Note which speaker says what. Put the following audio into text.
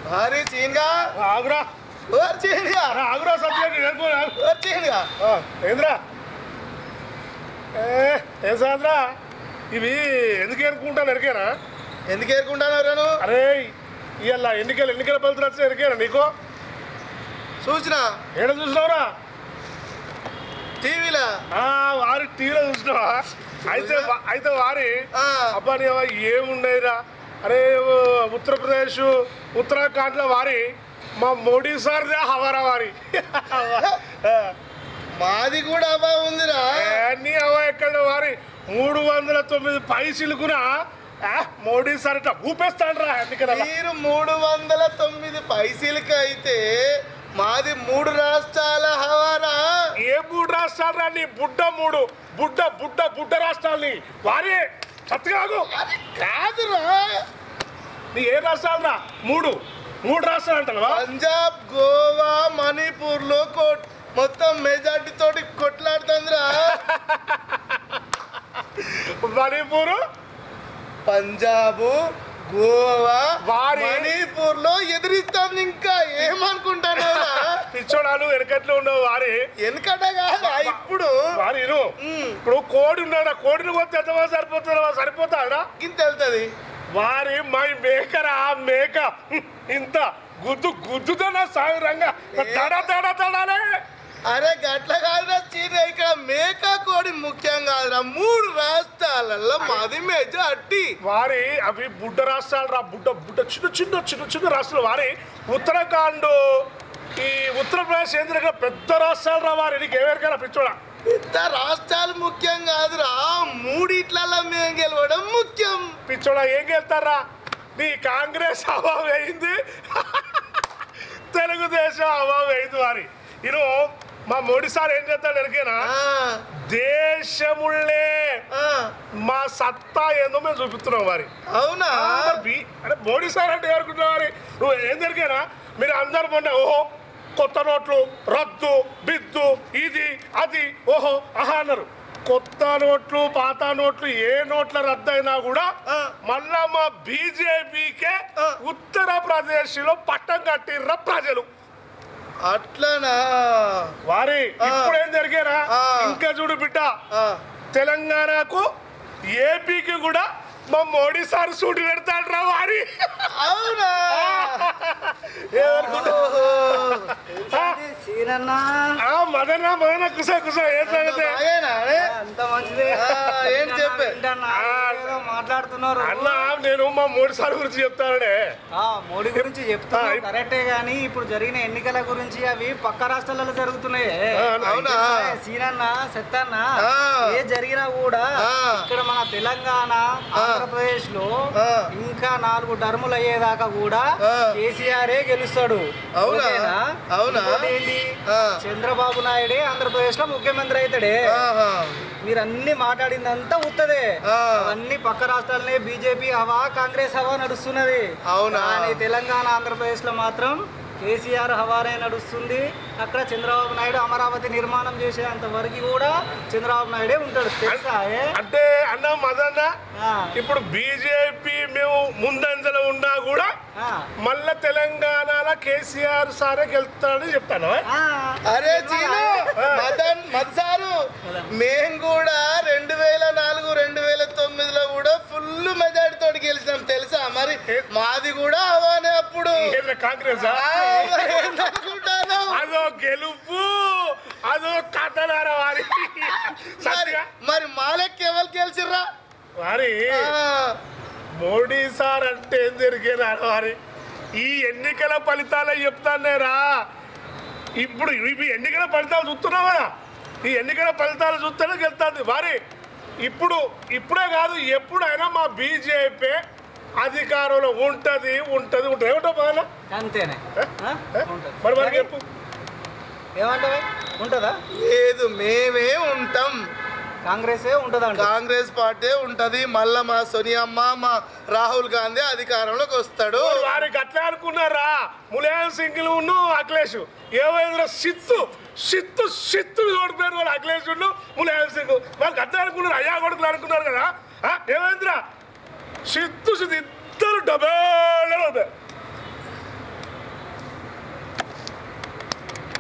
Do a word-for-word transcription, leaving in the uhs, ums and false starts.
Speaker 1: అరే చీన్గా
Speaker 2: ఆగురా
Speaker 1: ఓర్ చీన్గా
Speaker 2: ఆగురా సబ్జెక్ట్
Speaker 1: ఓర్ చీన్గా
Speaker 2: ఏంద్రా ఏ ఏం సాద్రా ఇవి ఎందుకు ఏరుకుంటాను ఎరికేనా
Speaker 1: ఎందుకు ఏరుకుంటాను రాను
Speaker 2: అరే ఇవాళ ఎన్నికలు ఎన్నికల ఫలితాలు వచ్చి ఎరికేనా నీకు
Speaker 1: చూసినా
Speaker 2: ఏడ చూసినావురా
Speaker 1: టీవీలో
Speaker 2: వారి టీవీలో చూసినావా అయితే అయితే వారి
Speaker 1: ఆ.
Speaker 2: అబ్బా నీ అవ్వ ఏమున్నాయిరా అరే ఉత్తరప్రదేశ్ ఉత్తరాఖండ్లో వారి మా మోడీ సార్దే హవారా వారి
Speaker 1: మాది కూడా అబ్బా ఉందిరా
Speaker 2: నీ అవ్వ ఎక్కడ వారి మూడు వందల తొమ్మిది పైసలుకునా మోడీ సార్ ఇట్లా ఊపేస్తాడు రా ఎన్నికల
Speaker 1: మీరు మూడు వందల తొమ్మిది పైసలకి అయితే మాది మూడు రాష్ట్రాల హవారా
Speaker 2: ఏ మూడు రాష్ట్రాలు రా నీ బుడ్డ మూడు బుడ్డ బుడ్డ బుడ్డ రాష్ట్రాలని వారి సత్తుగాగు
Speaker 1: కాదురా
Speaker 2: నీ ఏ రాష్ట్రాలు రా మూడు మూడు రాష్ట్రాలు అంటావా
Speaker 1: పంజాబ్ గోవా మణిపూర్ లో కోట్ మొత్తం మెజార్టీ తోటి కొట్లాడుతుందిరా
Speaker 2: మణిపూర్
Speaker 1: పంజాబ్ గోవా
Speaker 2: వారి-
Speaker 1: మణిపూర్ లో ఎదిరిస్తుంది ఇంకా ఏమనుకుంటాను
Speaker 2: పిచ్చోడాలు వెనకట్లో ఉండవు వారి
Speaker 1: ఎందుకంటే కాదా ఇప్పుడు
Speaker 2: వారి ఇరు.
Speaker 1: ఉమ్,
Speaker 2: ఇప్పుడు కోడి ఉన్నాడు కోడిని పోతే ఎంతమంది సరిపోతుందా సరిపోతాడా
Speaker 1: ఇంత వెళ్తుంది
Speaker 2: వారి మై మేకరా మేక ఇంత గుద్దు గుద్దుతున్నా సాగురంగా తడా తడా తడాలే
Speaker 1: అరే గట్ల కాదురా చీన ఇక్కడ మేక కోడి ముఖ్యం కాదురా మూడు రాష్ట్రాలలో మాది మెజార్టీ
Speaker 2: వారి అవి బుడ్డ రాష్ట్రాలు రా బుడ్డ బుడ్డ చిన్న చిన్న చిన్న చిన్న రాష్ట్రాలు వారి ఉత్తరాఖండ్ ఈ ఉత్తరప్రదేశ్ ఏంద్ర పెద్ద రాష్ట్రాలు రా వారి నీకు ఎవరికైనా పిచ్చోడా
Speaker 1: పెద్ద రాష్ట్రాలు ముఖ్యం కాదురా మూడిట్లలో మేము గెలవడం ముఖ్యం
Speaker 2: పిచ్చోడా ఏం వెళ్తారా నీ కాంగ్రెస్ అవావ్ అయింది తెలుగుదేశం అవావ్ అయింది వారి ఇను మా మోడీ సార్ ఏం చేస్తాడు ఎరికేనా
Speaker 1: ఆ,
Speaker 2: దేశముళ్ళే
Speaker 1: ఆ,
Speaker 2: మా సత్తా ఏందో మేము చూపిస్తున్నాం వారి
Speaker 1: అవునా
Speaker 2: మరి బి- అంటే మోడీ సార్ అంటే ఎవరుకుంటున్నావు వారి నువ్వు ఏం జరిగానా మీరు అందరు మొన్న ఓహో కొత్త నోట్లు రద్దు బిద్దు ఇది అది ఓహో ఆహా అన్నారు కొత్త నోట్లు పాత నోట్లు ఏ నోట్ల రద్దు అయినా కూడా
Speaker 1: ఆ.
Speaker 2: మళ్ళా మా బీజేపీకే
Speaker 1: ఆ.
Speaker 2: ఉత్తరప్రదేశ్ లో పట్టం కట్టిర్ర ప్రజలు
Speaker 1: అట్లనా
Speaker 2: వారి
Speaker 1: ఆ.
Speaker 2: ఇప్పుడు ఏం జరిగారా
Speaker 1: ఆ.
Speaker 2: ఇంకా చూడు బిడ్డ
Speaker 1: ఆ,
Speaker 2: తెలంగాణకు ఏపీకి కూడా మా మోడీ సార్ సూటి పెడతాడు రా వారి
Speaker 1: అవునా
Speaker 2: ఏమనుకుంటా?
Speaker 1: ఓహో.
Speaker 3: సీనన్నా
Speaker 2: ఆ, మదన మదన కుస కుస ఏం సంగతి
Speaker 1: బాగేనా అరే?
Speaker 3: అంత మంచిదే
Speaker 1: ఆ, ఏంటి చెప్పే?
Speaker 3: ఏంటన్నా?
Speaker 2: ఆ.
Speaker 3: ఏదో మాట్లాడుతున్నారు
Speaker 2: అన్న నేను మా మోడీ సార్ గురించి చెప్తానే
Speaker 3: ఆ, మోడీ గురించి
Speaker 2: ఆ,
Speaker 3: చెప్తున్నారు
Speaker 2: ఇప్-
Speaker 3: కరెక్టే గానీ ఇప్పుడు జరిగిన ఎన్నికల గురించి అవి పక్క రాష్ట్రాలలో జరుగుతున్నాయి
Speaker 2: ఆ,
Speaker 1: అవునా
Speaker 3: సీనన్న సెత్తన్న
Speaker 1: ఆ.
Speaker 3: ఏ జరిగినా కూడా
Speaker 1: ఆ.
Speaker 3: ఇక్కడ మన తెలంగాణ ఆంధ్రప్రదేశ్ లో
Speaker 1: ఆ.
Speaker 3: ఇంకా నాలుగు టర్ములు అయ్యేదాకా కూడా
Speaker 1: ఆ.
Speaker 3: కేసీఆరే గెలుస్తాడు
Speaker 1: అవునా?
Speaker 3: ఓకేనా?
Speaker 1: అవునా?
Speaker 3: ఇంకోటి ఏంది
Speaker 1: ఆ.
Speaker 3: చంద్రబాబు నాయుడే ఆంధ్రప్రదేశ్ లో ముఖ్యమంత్రి అవుతాడే
Speaker 1: ఆహా.
Speaker 3: మీరు అన్ని మాట్లాడిందంతా ఉత్తదే
Speaker 1: ఆ.
Speaker 3: అవన్నీ పక్క రాష్ట్రాలనే బీజేపీ హవా కాంగ్రెస్ హవా నడుస్తున్నది
Speaker 1: అవునా?
Speaker 3: కానీ తెలంగాణ ఆంధ్రప్రదేశ్ లో మాత్రం కేసీఆర్ హవానే నడుస్తుంది. అక్కడ చంద్రబాబు నాయుడు అమరావతి నిర్మాణం చేసేంత వరకు కూడా చంద్రబాబు నాయుడే ఉంటాడు తెలుసా ఏ?
Speaker 2: అంటే అన్న మదన్న
Speaker 3: ఆ,
Speaker 2: ఇప్పుడు బీజేపీ మేము ముందంజలో ఉన్నా కూడా
Speaker 3: ఆ,
Speaker 2: మళ్ళా తెలంగాణలో కేసీఆర్ సారే గెలుస్తాడని చెప్తాను
Speaker 3: ఆ.
Speaker 1: అరే చీను మదన్ మద్సారు మేము కూడా రెండు వేల నాలుగు రెండు వేల తొమ్మిదిలో కూడా ఫుల్ మెజార్టీ తోటి గెలిచినాం తెలుసా మరి మాది కూడా అవానే అప్పుడు
Speaker 2: ఏంది కాంగ్రెస్
Speaker 1: ఆ, మరి ఏందనుకుంటాను?
Speaker 2: అదో గెలుపు అదో కథనారా వారి
Speaker 1: మరి
Speaker 2: సత్తిగా
Speaker 1: మరి మాలెక్కి ఎవరు గెలిచిర్రా
Speaker 2: వారి
Speaker 1: ఆ,
Speaker 2: మోడీ సార్ అంటే ఏం జరిగేనా వారి ఈ ఎన్నికల ఫలితాలే చెప్తానేరా ఇప్పుడు ఇవి ఎన్నికల ఫలితాలు చూస్తున్నావు కదా ఈ ఎన్నికల ఫలితాలు చూస్తేనే గెలుతుంది వారి ఇప్పుడు ఇప్పుడే కాదు ఎప్పుడైనా మా బీజేపీ అధికారంలో ఉంటది ఉంటది ఉంటది ఏమిటో బాగా
Speaker 3: అంతేనే ఆ? ఉంటది.
Speaker 2: మరి మరి చెప్పు
Speaker 3: ఏమంటావే ఉంటుందా
Speaker 1: లేదు మేమే ఉంటాం
Speaker 3: కాంగ్రెసే ఉంటుందంట
Speaker 1: కాంగ్రెస్ పార్టీ ఉంటది మళ్ళా మా సోనియమ్మ మా రాహుల్ గాంధీ అధికారంలోకి వస్తాడు
Speaker 2: వారికి అట్లా అనుకున్నారా ములాయం సింగ్ ఉన్ను అఖిలేష్ ఏమైందిరా సిత్తు సిత్తు సిత్తు ఓడిపోయారు వాళ్ళు అఖిలేష్ ఉన్ను ములాయం సింగ్ వాళ్ళకి అట్లా అనుకున్నారు అయ్యా కొడుకులు అనుకున్నారు కదా ఆ, ఏమైందిరా సిత్తు సిత్తు ఇద్దరు డబే